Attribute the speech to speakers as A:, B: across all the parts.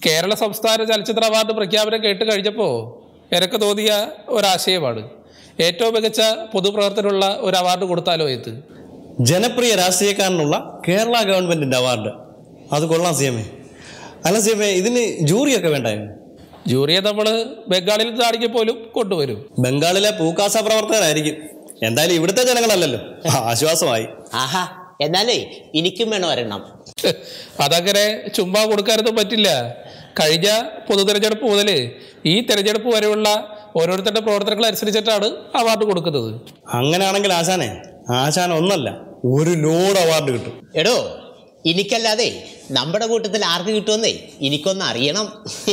A: കേരള സംസ്ഥാന ചലച്ചിത്ര അവാർഡ് പ്രഖ്യാപനം കേട്ട് കഴിഞ്ഞപ്പോൾ എനിക്ക് തോന്നിയ ഒരാശയമാണ് ഏറ്റവും മികച്ച പൊതുപ്രവർത്തനമുള്ള ഒരു അവാർഡ് കൊടുത്താലോ ഇത്.
B: ജനപ്രിയ രാഷ്ട്രീയക്കാരനുള്ള കേരള ഗവൺമെന്റിന്റെ അവാർഡ്. അത് കൊള്ളാം സി എം എ. അല്ല സി എം എ, ഇതിന് ജൂറിയൊക്കെ വേണ്ടായിരുന്നു?
A: ജൂറിയെ നമ്മൾ ബംഗാളിൽ നിന്നാണെങ്കിൽ പോലും കൊണ്ടുവരും.
B: ബംഗാളിലെ പൂക്കാസ പ്രവർത്തകരായിരിക്കും. എന്തായാലും ഇവിടുത്തെ ജനങ്ങളല്ലല്ലോ, ആശ്വാസമായി.
C: ആഹാ, എന്നാലേ എനിക്കും വേണം ഒരെണ്ണം.
A: അതങ്ങനെ ചുമ്മാ കൊടുക്കാനൊന്നും പറ്റില്ല. കഴിഞ്ഞ പൊതു തെരഞ്ഞെടുപ്പ് മുതൽ ഈ തെരഞ്ഞെടുപ്പ് വരെയുള്ള ഓരോരുത്തരുടെ പ്രവർത്തനങ്ങൾ അനുസരിച്ചിട്ടാണ് അവാർഡ് കൊടുക്കുന്നത്.
B: അങ്ങനെയാണെങ്കിൽ ആശാൻ ഒന്നല്ല, ഒരു ലോഡ് അവാർഡ് കിട്ടും.
C: എടോ, എനിക്കല്ലാതെ നമ്മുടെ കൂട്ടത്തിൽ ആർക്ക് കിട്ടുമെന്നേ എനിക്കൊന്ന് അറിയണം.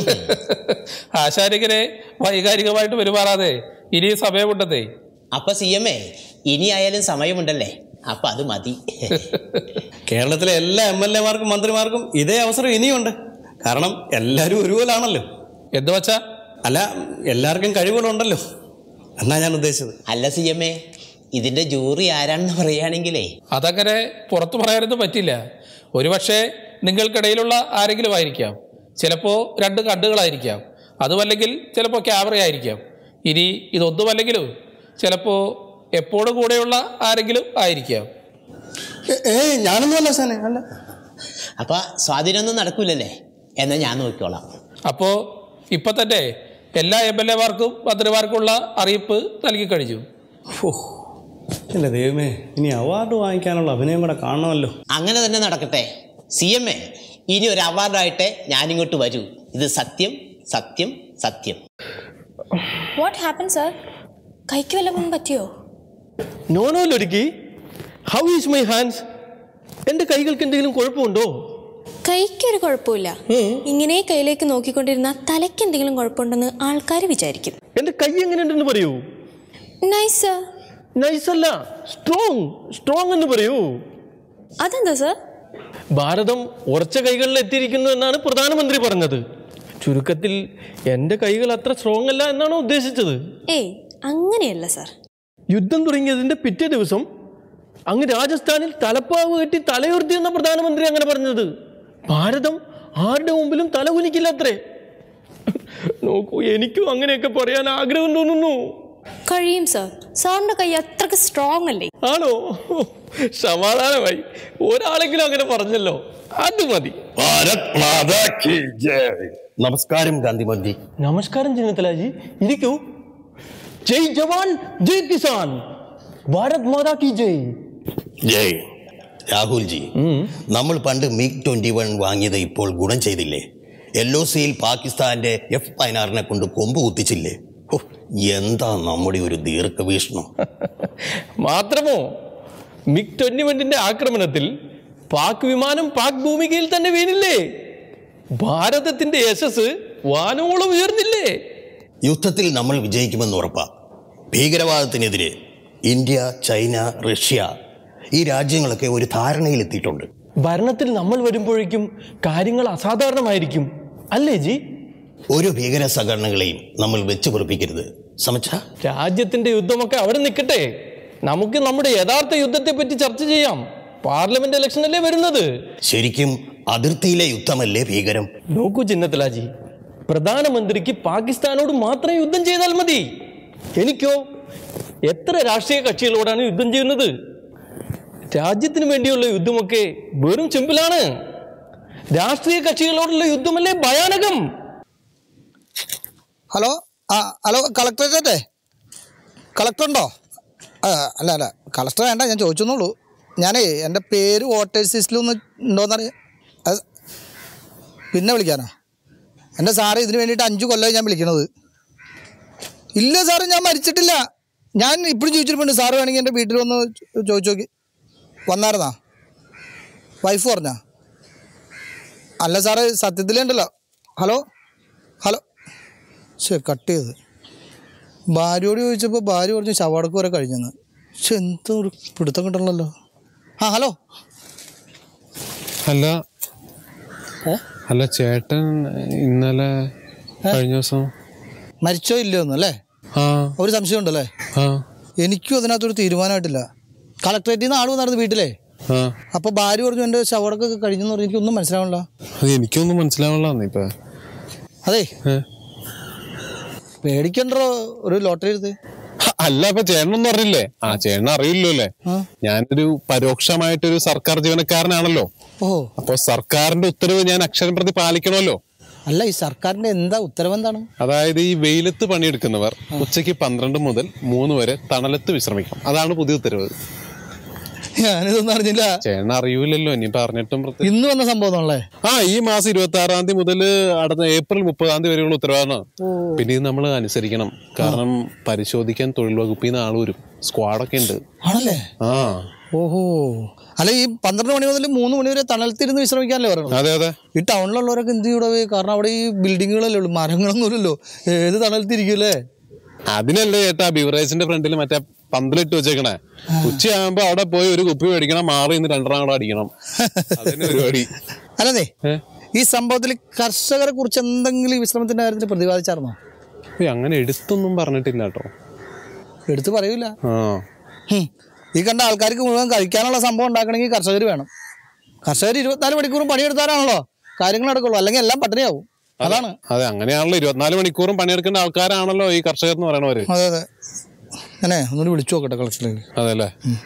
A: ആശാനിങ്ങനെ വൈകാരികമായിട്ട് പെരുമാറാതെ ഇനി സമയമുണ്ടെന്നേ.
C: അപ്പൊ സി എം എ, ഇനി ആയാലും സമയമുണ്ടല്ലേ, അപ്പൊ അത് മതി.
B: കേരളത്തിലെ എല്ലാ MLA-മാർക്കും മന്ത്രിമാർക്കും ഇതേ അവസരം ഇനിയുണ്ട്. കാരണം എല്ലാവരും ഒരുപോലാണല്ലോ.
A: എന്തു വച്ചാ?
B: അല്ല, എല്ലാവർക്കും കഴിവുകളുണ്ടല്ലോ എന്നാ ഞാൻ ഉദ്ദേശിച്ചത്.
C: അല്ല സി എം എ, ഇതിന്റെ ജൂറി ആരാണെന്ന് പറയുകയാണെങ്കിലേ
A: അതങ്ങനെ പുറത്തു പറയാനൊന്നും പറ്റില്ല. ഒരുപക്ഷെ നിങ്ങൾക്കിടയിലുള്ള ആരെങ്കിലും ആയിരിക്കാം, ചിലപ്പോൾ 2 കണ്ണുകളായിരിക്കാം, അതുമല്ലെങ്കിൽ ചിലപ്പോൾ ക്യാമറയായിരിക്കാം. ഇനി ഇതൊന്നുമല്ലെങ്കിലും ചിലപ്പോൾ എപ്പോഴും കൂടെയുള്ള ആരെങ്കിലും ആയിരിക്കാം.
B: ഞാനൊന്നും അല്ല സാനെ, അല്ല.
C: അപ്പൊ സ്വാധീനമൊന്നും നടക്കൂലല്ലേ? എന്നാൽ ഞാൻ നോക്കിക്കോളാം.
A: അപ്പോൾ ഇപ്പം തന്നെ എല്ലാ MLA-മാർക്കും മന്ത്രിമാർക്കുള്ള അറിയിപ്പ് നൽകി കഴിഞ്ഞു.
B: അല്ല ദൈവമേ, ഇനി അവാർഡ് വാങ്ങിക്കാനുള്ള അഭിനയം കൂടെ കാണണമല്ലോ.
C: അങ്ങനെ തന്നെ നടക്കട്ടെ. സി എം എ, ഇനി ഒരു അവാർഡായിട്ടേ ഞാനിങ്ങോട്ട് വരൂ. ഇത് സത്യം സത്യം സത്യം.
D: What happen sir? കൈക്ക് വല്ലതും പറ്റിയോ?
E: നോ ലൊരുക്കി. How is my hands? എൻ്റെ കൈകൾക്ക് എന്തെങ്കിലും കുഴപ്പമുണ്ടോ?
D: കൈക്കൊരു കുഴപ്പമില്ല. ഇങ്ങനെ കൈയിലേക്ക് നോക്കിക്കൊണ്ടിരുന്ന തലയ്ക്ക് എന്തെങ്കിലും കുഴപ്പമുണ്ടെന്ന് ആൾക്കാർ വിചാരിക്കും.
E: എൻ്റെ കൈ എങ്ങനെയുണ്ടെന്ന് പറയൂ.
D: Nice sir.
E: നൈസ് അല്ല, സ്ട്രോങ് എന്ന് പറയൂ.
D: അതെന്താ സർ?
E: ഭാരതം ഉറച്ച കൈകളിൽ എത്തിയിരിക്കുന്നു എന്നാണ് പ്രധാനമന്ത്രി പറഞ്ഞത്. ചുരുക്കത്തിൽ എൻ്റെ കൈകൾ അത്ര സ്ട്രോങ് അല്ല എന്നാണോ ഉദ്ദേശിച്ചത്?
D: ഏയ്, അങ്ങനെയല്ല സർ.
E: യുദ്ധം തുടങ്ങിയതിൻ്റെ പിറ്റേ ദിവസം അങ്ങ് രാജസ്ഥാനിൽ തലപ്പാവ് കെട്ടി തലയുയർത്തി എന്ന പ്രധാനമന്ത്രി അങ്ങനെ പറഞ്ഞത്. ഭാരതം ആരുടെ മുമ്പിലും തല കുനിക്കില്ല അത്രേ. നോക്കൂ, എനിക്കും അങ്ങനെയൊക്കെ പറയാൻ ആഗ്രഹം തോന്നുന്നു.
D: കഴിയും സർ. സാറിന്റെ കൈ അത്രക്ക് സ്ട്രോങ് അല്ലേ?
E: ആണോ? സമാധാനമായി, ഒരാളെങ്കിലും അങ്ങനെ പറഞ്ഞല്ലോ, അത് മതി.
B: നമസ്കാരം ഗാന്ധിമോൻജി.
E: നമസ്കാരം ചെന്നിത്തലാജി, ഇരിക്കൂ. ജയ് ജവാൻ ജയ് കിസാൻ, ഭാരത് മാതാ കി ജയ്.
F: ജയ്. രാഹുൽജി, നമ്മൾ പണ്ട് MiG-21 വാങ്ങിയത് ഇപ്പോൾ ഗുണം ചെയ്തില്ലേ? LOCയിൽ പാകിസ്ഥാന്റെ F-16 കൊണ്ട് കൊമ്പ് കുത്തിച്ചില്ലേ? എന്താ നമ്മുടെ ഒരു ദീർഘവീക്ഷണം.
E: മാത്രമോ, MiG-21 ആക്രമണത്തിൽ പാക് വിമാനം പാക് ഭൂമികയിൽ തന്നെ വീണില്ലേ? ഭാരതത്തിന്റെ യശസ് വാനോളം ഉയർന്നില്ലേ?
F: യുദ്ധത്തിൽ നമ്മൾ വിജയിക്കുമെന്ന് ഉറപ്പാ. ഭീകരവാദത്തിനെതിരെ ഇന്ത്യ, ചൈന, റഷ്യ ഈ രാജ്യങ്ങളൊക്കെ ഒരു ധാരണയിലെത്തിയിട്ടുണ്ട്.
E: ഭരണത്തിൽ നമ്മൾ വരുമ്പോഴേക്കും കാര്യങ്ങൾ അസാധാരണമായിരിക്കും അല്ലേ ജി?
F: ഒരു ഭീകര സംഘടനകളെയും നമ്മൾ വെച്ച് പൊറുപ്പിക്കരുത്. സമച്ച
E: രാജ്യത്തിന്റെ യുദ്ധമൊക്കെ അവിടെ നിൽക്കട്ടെ, നമുക്ക് നമ്മുടെ യഥാർത്ഥ യുദ്ധത്തെ പറ്റി ചർച്ച ചെയ്യാം. പാർലമെന്റ് ഇലക്ഷൻ അല്ലേ വരുന്നത്.
F: ശരിക്കും അതിർത്തിയിലെ യുദ്ധമല്ലേ ഭീകരം?
E: നോക്കൂ ചിന്നത്തലാജി, പ്രധാനമന്ത്രിക്ക് പാകിസ്ഥാനോട് മാത്രം യുദ്ധം ചെയ്താൽ മതി. എനിക്കോ എത്ര രാഷ്ട്രീയ കക്ഷികളോടാണ് യുദ്ധം ചെയ്യുന്നത്? രാജ്യത്തിന് വേണ്ടിയുള്ള യുദ്ധമൊക്കെ വെറും സിമ്പിളാണ്. രാഷ്ട്രീയ കക്ഷികളോടുള്ള യുദ്ധമല്ലേ ഭയാനകം.
G: Hello, hello, കളക്ടറേറ്റേ? കളക്ടറുണ്ടോ? അല്ല, കളക്ടർ വേണ്ട, ഞാൻ ചോദിച്ചെന്നുള്ളൂ. ഞാനേ എൻ്റെ പേര് വോട്ടേഴ്സ് ലിസ്റ്റിലൊന്ന് ഉണ്ടോയെന്നറിയാം. പിന്നെ വിളിക്കാനോ? എൻ്റെ സാറ് ഇതിന് വേണ്ടിയിട്ട് 5 കൊല്ലമായി ഞാൻ വിളിക്കണത്. ഇല്ല സാറ്, ഞാൻ മരിച്ചിട്ടില്ല. ഞാൻ ഇപ്പോഴും ചോദിച്ചിട്ടുണ്ട്. സാറ് വേണമെങ്കിൽ എൻ്റെ വീട്ടിൽ വന്ന് ചോദിച്ചു നോക്കി. വന്നായിരുന്നാ? വൈഫ് പറഞ്ഞാ? അല്ല സാറ്, സത്യത്തിലുണ്ടല്ലോ. ഹലോ, ശരി, കട്ട് ചെയ്ത്. ഭാര്യയോട് ചോദിച്ചപ്പോൾ ഭാര്യ പറഞ്ഞു ശവടക്ക് വരെ കഴിഞ്ഞെന്ന്. പക്ഷെ എന്തോ ഒരു പിടുത്തം കിട്ടണമല്ലോ. ഹലോ.
H: അല്ല ചേട്ടൻ ഇന്നലെ കഴിഞ്ഞ ദിവസം
G: മരിച്ചോ ഇല്ലയോന്ന് അല്ലേ? ഒരു സംശയം ഉണ്ടല്ലേ? എനിക്കും അതിനകത്തൊരു തീരുമാനമായിട്ടില്ല. കളക്ടറേറ്റിൽ നിന്ന് ആൾ വന്നായിരുന്നു വീട്ടിലേ. അപ്പോൾ ഭാര്യ പറഞ്ഞു എൻ്റെ ശവടക്കൊക്കെ കഴിഞ്ഞെന്ന് പറഞ്ഞു. എനിക്കൊന്നും മനസ്സിലാവണില്ല.
H: എനിക്കൊന്നും മനസ്സിലാവണില്ല. ഇപ്പം
G: അതെ പേടിക്കണ്ടോ ഒരു ലോട്ടറി എടുത്ത്.
H: അല്ല അപ്പൊ ചേട്ടനൊന്നും അറിയില്ലേ? ചേട്ടൻ അറിയില്ലോ അല്ലേ? ഞാനൊരു പരോക്ഷമായിട്ടൊരു സർക്കാർ ജീവനക്കാരനാണല്ലോ. അപ്പൊ സർക്കാരിന്റെ ഉത്തരവ് ഞാൻ അക്ഷരം പ്രതി പാലിക്കണമല്ലോ.
G: അല്ല ഈ സർക്കാരിന്റെ എന്താ ഉത്തരവെന്താണ്?
H: അതായത് ഈ വെയിലത്ത് പണിയെടുക്കുന്നവർ ഉച്ചയ്ക്ക് 12 മുതൽ 3 വരെ തണലത്ത് വിശ്രമിക്കാം. അതാണ് പുതിയ ഉത്തരവ്.
G: ഞാനിതൊന്നും അറിഞ്ഞില്ല.
H: ചേട്ടൻ അറിയൂലല്ലോ, ഇനി പറഞ്ഞിട്ടും.
G: ഇന്ന് വന്ന സംഭവം
H: ഈ മാസം 26-ാം തീയതി മുതൽ അടുത്ത ഏപ്രിൽ 30-ാം തീയതി വരെയുള്ള ഉത്തരവാണ്. പിന്നെ ഇത് നമ്മൾ അനുസരിക്കണം. കാരണം പരിശോധിക്കാൻ തൊഴിൽ വകുപ്പിൽ നിന്ന് ആള് വരും. സ്ക്വാഡൊക്കെ ഉണ്ട്.
G: ആണല്ലേ? ഓഹോ. അല്ല ഈ 12 മണി മുതൽ 3 മണി വരെ തണലത്തിരുന്ന് വിശ്രമിക്കാനല്ലേ പറയണം?
H: അതെ അതെ.
G: ഈ ടൗണിലുള്ളവരൊക്കെ എന്ത് ചെയ്യൂടെ? കാരണം അവിടെ ഈ ബിൽഡിങ്ങുകളല്ലേ ഉള്ളൂ, മരങ്ങളൊന്നും ഇല്ലല്ലോ. ഏത് തണലത്തിരിക്കൂല്ലേ?
H: അതിനല്ലേ ചേട്ടാ ബിവറേജിന്റെ ഫ്രണ്ടിൽ മറ്റേ പന്തലിട്ട് വെച്ചേക്കണേ. ഉച്ചയാകുമ്പോ അവിടെ പോയി ഒരു കുപ്പി മേടിക്കണം, മാറി ഇന്ന് 2 കൂടെ അടിക്കണം. അതിന് പരിപാടി.
G: അല്ലേ ഈ സംഭവത്തിൽ കർഷകരെ കുറിച്ച് എന്തെങ്കിലും ഈ വിശ്രമത്തിന്റെ കാര്യത്തിൽ പ്രതിപാദിച്ചായിരുന്നോ?
H: അങ്ങനെ എടുത്തൊന്നും പറഞ്ഞിട്ടില്ല കേട്ടോ.
G: എടുത്ത് പറയൂല. ഈ കണ്ട ആൾക്കാർക്ക് മുഴുവൻ കഴിക്കാനുള്ള സംഭവം ഉണ്ടാക്കണമെങ്കിൽ കർഷകർ വേണം. കർഷകർ 24 മണിക്കൂറും പണിയെടുത്താലാണല്ലോ കാര്യങ്ങൾ നടക്കുള്ളൂ, അല്ലെങ്കിൽ എല്ലാം പട്ടിണിയാവും. അതാണ്.
H: അതെ, അങ്ങനെയാണല്ലോ. 24 മണിക്കൂറും പണിയെടുക്കേണ്ട ആൾക്കാരാണല്ലോ ഈ കർഷകർ എന്ന് പറയണവര്.
G: അതെ അതെ. അങ്ങനെ ഒന്നുകൂടി വിളിച്ചു നോക്കട്ടെ കളക്ഷനിലേക്ക്.
H: അതെല്ലേ.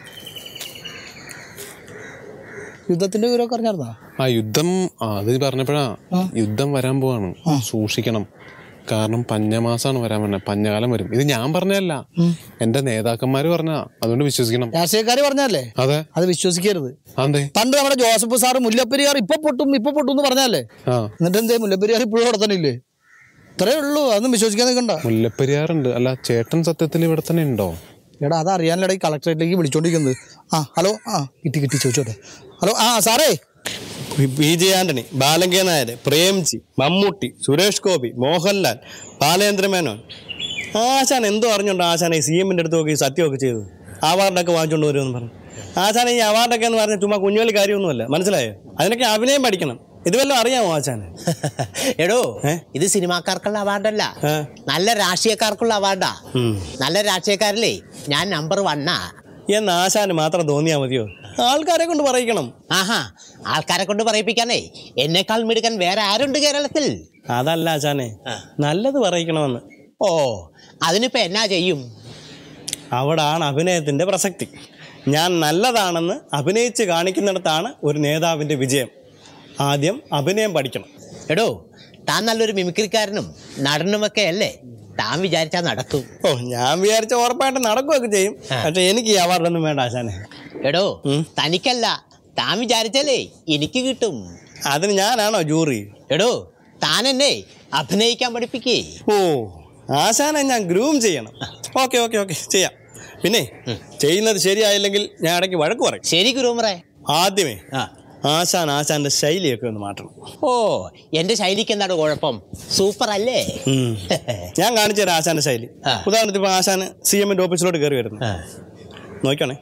G: യുദ്ധത്തിന്റെ വിവരമൊക്കെ അറിഞ്ഞായിരുന്നോ?
H: യുദ്ധം അത് പറഞ്ഞപ്പോഴാ യുദ്ധം വരാൻ പോവാണ്. സൂക്ഷിക്കണം. കാരണം പഞ്ഞമാസാണ് വരാൻ പറഞ്ഞത്. പഞ്ഞകാലം വരും. ഇത് ഞാൻ പറഞ്ഞതല്ല, എന്റെ നേതാക്കന്മാര് പറഞ്ഞാ. അതുകൊണ്ട് വിശ്വസിക്കണം.
G: രാഷ്ട്രീയക്കാര് പറഞ്ഞല്ലേ?
H: അതെ.
G: അത് വിശ്വസിക്കരുത്.
H: അതെ.
G: പണ്ട് നമ്മുടെ ജോസഫ് സാറ് മുല്ലപ്പെരിയാർ ഇപ്പൊ പൊട്ടും എന്ന് പറഞ്ഞല്ലേ? എന്നിട്ട് എന്തേ മുല്ലപ്പെരിയാർ ഇപ്പോഴും അവിടെ തന്നെ ഇല്ലേ? ഇത്രേ ഉള്ളൂ. അതൊന്നും വിശ്വസിക്കാൻ നിൽക്കണ്ട.
H: മുല്ലപ്പെരിയാറുണ്ട്. അല്ല ചേട്ടൻ സത്യത്തിൽ ഇവിടെ തന്നെ ഉണ്ടോ?
G: എടാ അതറിയാനില്ലടാ ഈ കളക്ടറേറ്റിലേക്ക് വിളിച്ചോണ്ടിരിക്കുന്നത്. ഹലോ. കിട്ടി ചോദിച്ചോട്ടെ. ഹലോ സാറേ.
B: PJ Antony, Balan K Nair, Premji, Mammootty, Suresh Gopi, Mohanlal, Balendra Menon. ആശാൻ എന്തോ അറിഞ്ഞോണ്ടോ ആശാനെ CM-ന്റെ അടുത്ത് നോക്കി സത്യമൊക്കെ ചെയ്തു അവാർഡൊക്കെ വാങ്ങിച്ചോണ്ട് വരുമെന്ന് പറഞ്ഞു. ആശാനെ ഈ അവാർഡൊക്കെ എന്ന് പറഞ്ഞാൽ ചുമ്മാ കുഞ്ഞുകളി കാര്യമൊന്നുമല്ല, മനസ്സിലായോ? അതിനൊക്കെ അഭിനയം പഠിക്കണം. ഇത് വല്ലതും അറിയാമോ ആശാന്?
C: എടോ ഇത് സിനിമാക്കാർക്കുള്ള അവാർഡല്ല, നല്ല രാഷ്ട്രീയക്കാർക്കുള്ള അവാർഡാ. നല്ല രാഷ്ട്രീയക്കാരില്ലേ ഞാൻ നമ്പർ 1
B: എന്ന് ആശാന് മാത്രം തോന്നിയാ മതിയോ? ആൾക്കാരെ കൊണ്ട് പറയിക്കണം.
C: ആൾക്കാരെ കൊണ്ട് പറയിപ്പിക്കാനേ എന്നെക്കാൾ മിടുക്കൻ വേറെ ആരുണ്ട് കേരളത്തിൽ?
B: അതല്ല ആശാനെ, നല്ലത് പറയിക്കണമെന്ന്.
C: അതിനിപ്പോ എന്നാ ചെയ്യും?
B: അവിടാണ് അഭിനയത്തിന്റെ പ്രസക്തി. ഞാൻ നല്ലതാണെന്ന് അഭിനയിച്ച് കാണിക്കുന്നിടത്താണ് ഒരു നേതാവിന്റെ വിജയം. ആദ്യം അഭിനയം പഠിക്കണം.
C: എടോ താൻ നല്ലൊരു മിമിക്രിക്കാരനും നടനുമൊക്കെ അല്ലേ? താൻ വിചാരിച്ചാൽ നടക്കും.
B: ഞാൻ വിചാരിച്ച ഉറപ്പായിട്ട് നടക്കുകയൊക്കെ ചെയ്യും. പക്ഷെ എനിക്ക് ഈ അവാർഡൊന്നും വേണ്ട ആശാനെ.
C: എടോ തനിക്കല്ല, താൻ വിചാരിച്ചാലേ എനിക്ക് കിട്ടും.
B: അതിന് ഞാനാണോ ജൂറി?
C: എടോ താൻ എന്നെ അഭിനയിക്കാൻ പഠിപ്പിക്കേ.
B: ആശാനെ ഞാൻ ഗ്രൂം ചെയ്യണം. ഓക്കെ ചെയ്യാം. പിന്നെ ചെയ്യുന്നത് ശരിയായില്ലെങ്കിൽ ഞാൻ ഇടയ്ക്ക് വഴക്ക് പറയും.
C: ശരി ഗ്രൂമറേ.
B: ആദ്യമേ ആശാന്റെ ശൈലിയൊക്കെ ഒന്ന് മാറ്റണം.
C: എന്റെ ശൈലിക്ക് എന്താണ് കുഴപ്പം? സൂപ്പർ അല്ലേ?
B: ഞാൻ കാണിച്ചു തരാം ആശാന്റെ ശൈലി. ഉദാഹരണത്തിന് ഇപ്പൊ ആശാന് CM-ന്റെ ഓഫീസിലോട്ട് കയറി വരുന്നു. നോക്കണേ.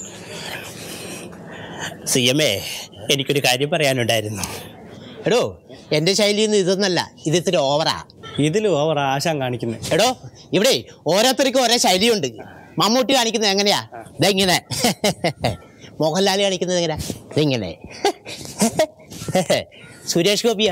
C: CM-ഏ എനിക്കൊരു കാര്യം പറയാനുണ്ടായിരുന്നു. എടോ എന്റെ ശൈലിയൊന്നും ഇതൊന്നല്ല, ഇത് ഇത്തിരി ഓവറാ.
B: ഇതിലും ഓവറാ ആശാൻ കാണിക്കുന്നത്.
C: എടോ ഇവിടെ ഓരോരുത്തർക്കും ഓരോ ശൈലിയുണ്ട്. മമ്മൂട്ടി കാണിക്കുന്നത് എങ്ങനെയാ? ഇതെങ്ങനെ. മോഹൻലാൽ കാണിക്കുന്നത് എങ്ങനെയാ? ഇതെങ്ങനെ. സുരേഷ് ഗോപിയാ?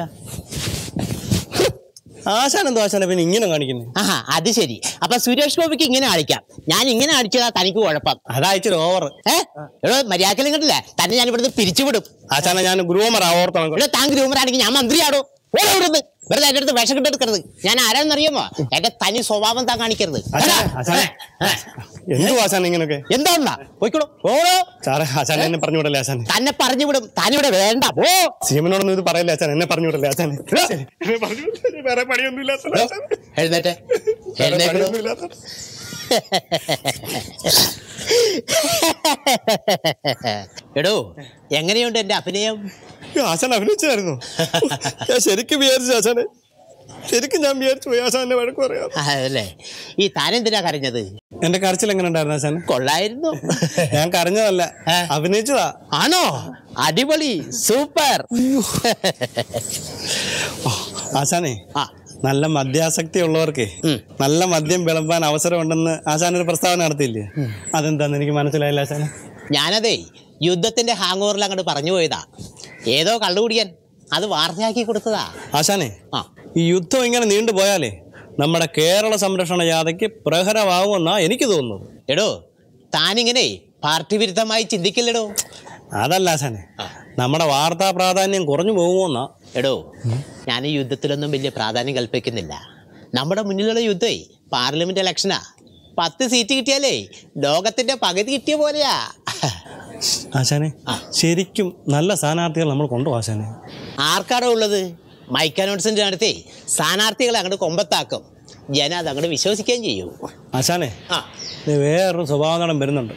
B: ആശാനെന്തോ ആശാനെ പിന്നെ ഇങ്ങനെ കാണിക്കുന്നത്?
C: അത് ശരി. അപ്പൊ സുരേഷ് ഗോപിക്ക് ഇങ്ങനെ കാണിക്കാം, ഞാൻ ഇങ്ങനെ കാണിച്ചതാ തനിക്ക് കുഴപ്പം?
B: അതായിച്ചൊരു ഓവർ.
C: എടോ മര്യാദക്കലും കണ്ടില്ലേ? തന്നെ ഞാൻ ഇവിടുന്ന് പിരിച്ചുവിടും.
B: ആശാനെ ഞാൻ ഗ്രൂമറാ, ഓർത്തണം.
C: താൻ ഗ്രൂമറാണെങ്കിൽ ഞാൻ മന്ത്രിയാടോ. ഓരോടുന്ന് വെറുതെ എൻ്റെ അടുത്ത് വിഷം കിട്ടെടുക്കരുത്. ഞാൻ ആരാണെന്നറിയാമോ? എന്റെ തനി സ്വഭാവം താൻ കാണിക്കരുത്.
B: എന്തോ ആശാൻ ഇങ്ങനൊക്കെ?
C: എന്താ പോയിക്കോളൂ.
B: ആശാൻ എന്നെ പറഞ്ഞുവിടല്ലേ ആശാൻ?
C: തന്നെ പറഞ്ഞുവിടും. താനിവിടെ വേണ്ട.
B: CM-നോടൊന്നും ഇത് പറയല്ലേ ആശാൻ? എന്നെ പറഞ്ഞുവിടല്ലേ ആശാൻ? വേറെ പണിയൊന്നുമില്ല.
C: എഴുന്നേറ്റ്. എടോ എങ്ങനെയുണ്ട് എന്റെ അഭിനയം?
B: ആശാൻ അഭിനയിച്ചായിരുന്നു. ഞാൻ ശരിക്കും വിചാരിച്ചു ആശാനെ, ശരിക്കും ഞാൻ വിചാരിച്ചു പോയി ആശാന്റെ വഴക്ക് പറയാം.
C: അതല്ലേ. ഈ താനെന്തിനാ കരഞ്ഞത്?
B: എന്റെ കരച്ചിൽ എങ്ങനെ ഉണ്ടായിരുന്നു ആശാൻ?
C: കൊള്ളായിരുന്നു.
B: ഞാൻ കരഞ്ഞതല്ല, അഭിനയിച്ചതാ.
C: ആണോ? അടിപൊളി, സൂപ്പർ.
B: ആശാനെ നല്ല മദ്യാസക്തി ഉള്ളവർക്ക് നല്ല മദ്യം വിളമ്പാൻ അവസരമുണ്ടെന്ന് ആശാനൊരു പ്രസ്താവന നടത്തിയില്ലേ? അതെന്താന്ന് എനിക്ക് മനസ്സിലായില്ല ആശാനെ.
C: ഞാനതേ യുദ്ധത്തിന്റെ ഹാങ് ഓവറിൽ അങ്ങോട്ട് പറഞ്ഞു പോയതാ. ഏതോ കള്ളുകുടിയൻ അത് വാർത്തയാക്കി കൊടുത്തതാ.
B: ആശാനെ ഈ യുദ്ധം ഇങ്ങനെ നീണ്ടുപോയാലേ നമ്മുടെ കേരള സംരക്ഷണ ജാഥയ്ക്ക് പ്രഹരമാകുമെന്നാണ് എനിക്ക് തോന്നുന്നത്.
C: എടോ താനിങ്ങനെ പാർട്ടി വിരുദ്ധമായി ചിന്തിക്കില്ലടോ.
B: അതല്ല ആശാനെ, നമ്മുടെ വാർത്താ പ്രാധാന്യം കുറഞ്ഞു പോകുമോന്നാ.
C: എടോ ഞാൻ ഈ യുദ്ധത്തിലൊന്നും വലിയ പ്രാധാന്യം കൽപ്പിക്കുന്നില്ല. നമ്മുടെ മുന്നിലുള്ള യുദ്ധമേ പാർലമെന്റ് ഇലക്ഷനാ. 10 സീറ്റ് കിട്ടിയാലേ ലോകത്തിന്റെ പകുതി കിട്ടിയ പോലെയാ.
B: ആശാനെ ശരിക്കും നല്ല സ്ഥാനാർത്ഥികൾ നമ്മൾ കൊണ്ടുപോകും ആശാനെ.
C: ആർക്കാടോ ഉള്ളത്? മൈക്ക് അനൗൺസ്മെന്റ് നടത്തി സ്ഥാനാർത്ഥികളെ അങ്ങോട്ട് കൊമ്പത്താക്കും. ജനം അത് അങ്ങോട്ട് വിശ്വസിക്കുകയും ചെയ്യും.
B: ആശാനെ വേറൊരു സ്വഭാവം വരുന്നുണ്ട്.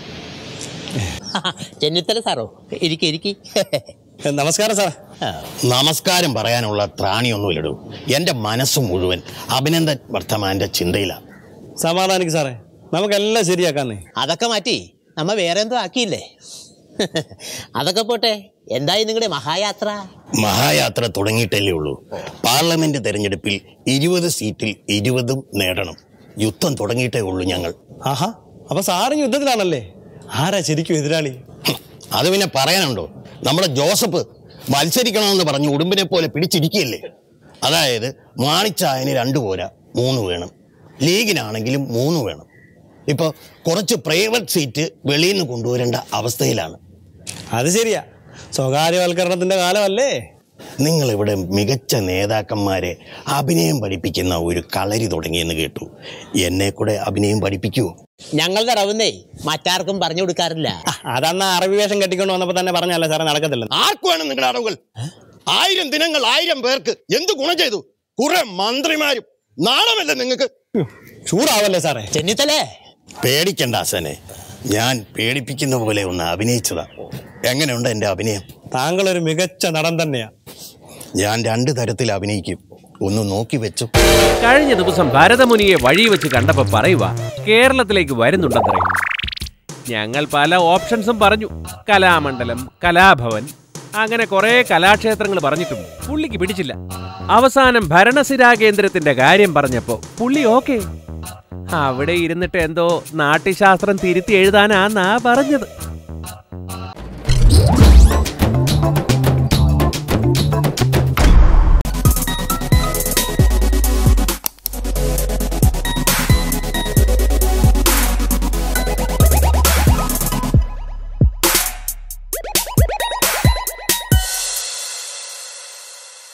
C: ചെന്നിത്തല സാറോ? ഇരിക്കി.
B: നമസ്കാരം സാർ.
F: നമസ്കാരം പറയാനുള്ള ത്രാണിയൊന്നുമില്ലടൂ. എൻ്റെ മനസ്സ് മുഴുവൻ അഭിനന്ദൻ വർദ്ധമാൻ്റെ ചിന്തയിലാണ്.
B: സമാധാനിക്ക് സാറേ, നമുക്കെല്ലാം ശരിയാക്കാന്നേ.
C: അതൊക്കെ മാറ്റി നമ്മ വേറെ എന്തോ ആക്കിയില്ലേ? അതൊക്കെ പോട്ടെ, എന്തായി നിങ്ങളുടെ മഹായാത്ര?
F: മഹായാത്ര തുടങ്ങിയിട്ടല്ലേ ഉള്ളൂ. പാർലമെന്റ് തെരഞ്ഞെടുപ്പിൽ 20 സീറ്റിൽ 20 നേടണം. യുദ്ധം തുടങ്ങിയിട്ടേ ഉള്ളൂ ഞങ്ങൾ.
B: ആഹാ, അപ്പൊ സാറ് യുദ്ധത്തിലാണല്ലേ? ആരാ ശരിക്കും എതിരാളി?
F: അത് പിന്നെ പറയാനുണ്ടോ? നമ്മുടെ ജോസഫ് മത്സരിക്കണമെന്ന് പറഞ്ഞ് ഉടുമ്പിനെ പോലെ പിടിച്ചിരിക്കുകയല്ലേ. അതായത് മാണിച്ചായന് 2 പോരാ 3 വേണം, ലീഗിനാണെങ്കിലും 3 വേണം. ഇപ്പോൾ കുറച്ച് പ്രൈവറ്റ് സീറ്റ് വെളിയിൽ നിന്ന് കൊണ്ടുവരേണ്ട അവസ്ഥയിലാണ്.
B: അത് ശരിയാ, സ്വകാര്യവൽക്കരണത്തിന്റെ കാലമല്ലേ.
F: നിങ്ങളിവിടെ മികച്ച നേതാക്കന്മാരെ അഭിനയം പഠിപ്പിക്കുന്ന ഒരു കളരി തുടങ്ങിയെന്ന് കേട്ടു. എന്നെ കൂടെ അഭിനയം പഠിപ്പിക്കുമോ?
C: ഞങ്ങളുടെ റവുന്നേ മറ്റാർക്കും പറഞ്ഞു കൊടുക്കാറില്ല.
B: അതന്ന് അറബി വേഷം കെട്ടിക്കൊണ്ട് വന്നപ്പോ തന്നെ പറഞ്ഞല്ലേ സാറേ, നടക്കത്തില്ല.
F: ആർക്കുമാണ് നിങ്ങളുടെ അറിവുകൾ? 1000 ദിനങ്ങൾ 1000 പേർക്ക് എന്ത് ഗുണം ചെയ്തു? കുറെ മന്ത്രിമാരും. നാണമല്ലേ നിങ്ങൾക്ക്?
B: ചൂടാവല്ലേ സാറേ.
C: ചെന്നിത്തലേ
F: പേടിക്കണ്ട ആശാനെ, ഞാൻ പേടിപ്പിക്കുന്ന പോലെ ഒന്ന് അഭിനയിച്ചതാ. എങ്ങനെയുണ്ട് എൻ്റെ അഭിനയം?
B: താങ്കളൊരു മികച്ച നടൻ തന്നെയാ.
F: ഞാൻ 2 തരത്തിൽ അഭിനയിക്കും, ഒന്ന് നോക്കി വെച്ചു.
I: കഴിഞ്ഞ ദിവസം ഭരതമുനിയെ വഴി വെച്ച് കണ്ടപ്പോൾ പറയുക കേരളത്തിലേക്ക് വരുന്നുണ്ടെന്നേ. ഞങ്ങൾ പല ഓപ്ഷൻസും പറഞ്ഞു. കലാമണ്ഡലം, കലാഭവൻ, അങ്ങനെ കുറെ കലാക്ഷേത്രങ്ങൾ പറഞ്ഞിട്ടും പുള്ളിക്ക് പിടിച്ചില്ല. അവസാനം ഭരണസിരാ കേന്ദ്രത്തിന്റെ കാര്യം പറഞ്ഞപ്പോ പുള്ളി ഓക്കെ. അവിടെ ഇരുന്നിട്ട് എന്തോ നാട്യശാസ്ത്രം തിരുത്തി എഴുതാനാന്നാ പറഞ്ഞത്.